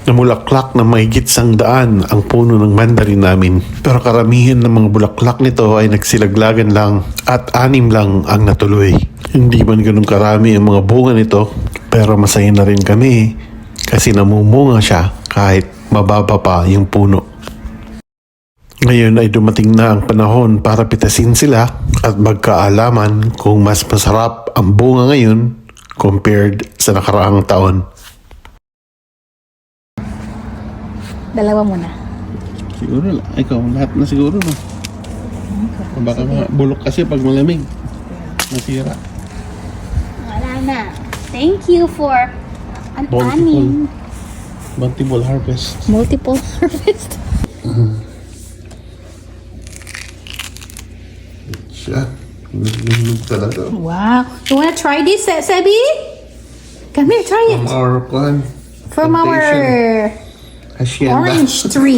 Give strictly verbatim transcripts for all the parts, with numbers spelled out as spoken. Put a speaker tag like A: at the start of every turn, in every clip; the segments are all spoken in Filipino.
A: Namulaklak na mahigit sang daan ang puno ng mandarin namin. Pero karamihan ng mga bulaklak nito ay nagsilaglagan lang at anim lang ang natuloy. Hindi man ganun karami ang mga bunga nito, pero masaya na rin kami kasi namumunga siya kahit mababa pa yung puno. Ngayon ay dumating na ang panahon para pitasin sila at magkaalaman kung mas masarap ang bunga ngayon compared sa nakaraang taon.
B: Dalawa muna.
A: Siguro, ikaw, lahat na siguro, no? Baka bulok kasi pag malamig. Masira.
B: Wala na. Thank you for an
A: Multiple.
B: aning.
A: Multiple harvest.
B: Multiple harvest.
A: Siya. Nilulog talaga.
B: Wow. You wanna try this, Se- Sebi? Come here, try it.
A: From our plant.
B: From our
A: Hacienda.
B: orange tree.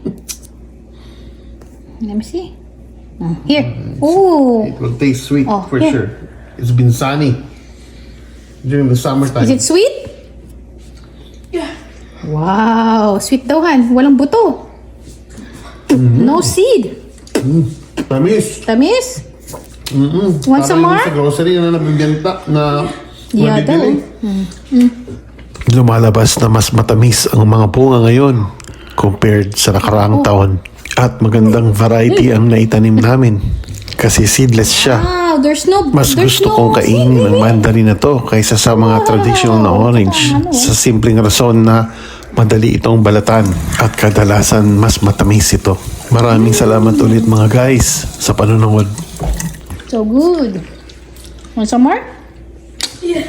B: Let me see. Oh, here. Ooh.
A: It will taste sweet
B: Oh,
A: for
B: here.
A: sure. It's been sunny during the summertime.
B: Is it sweet? Yeah. Wow. Sweet daw, Han. Walang buto. No seed.
A: Mm. Tamis.
B: Tamis?
A: Mm-mm.
B: Want some more?
A: Parang sa grocery na nabibenta na
B: Yeah, daw.
A: mabibili. Lumalabas na mas matamis ang mga bunga ngayon compared sa nakaraang taon. At magandang variety ang naitanim namin kasi seedless siya.
B: Wow, there's no
A: Mas
B: there's
A: gusto
B: no
A: kong kainin
B: seed,
A: ng
B: really?
A: mandarin na to kaysa sa mga traditional na orange
B: Ano?
A: sa simpleng rason na madali itong balatan at kadalasan mas matamis ito. Maraming salamat ulit mga guys sa panonood.
B: So good. Want some more? Yeah.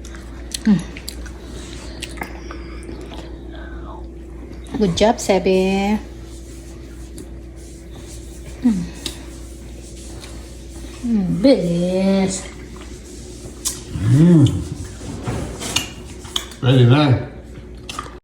B: Good job, Sebi. Hmm. Hmm, bilis.
A: Very nice.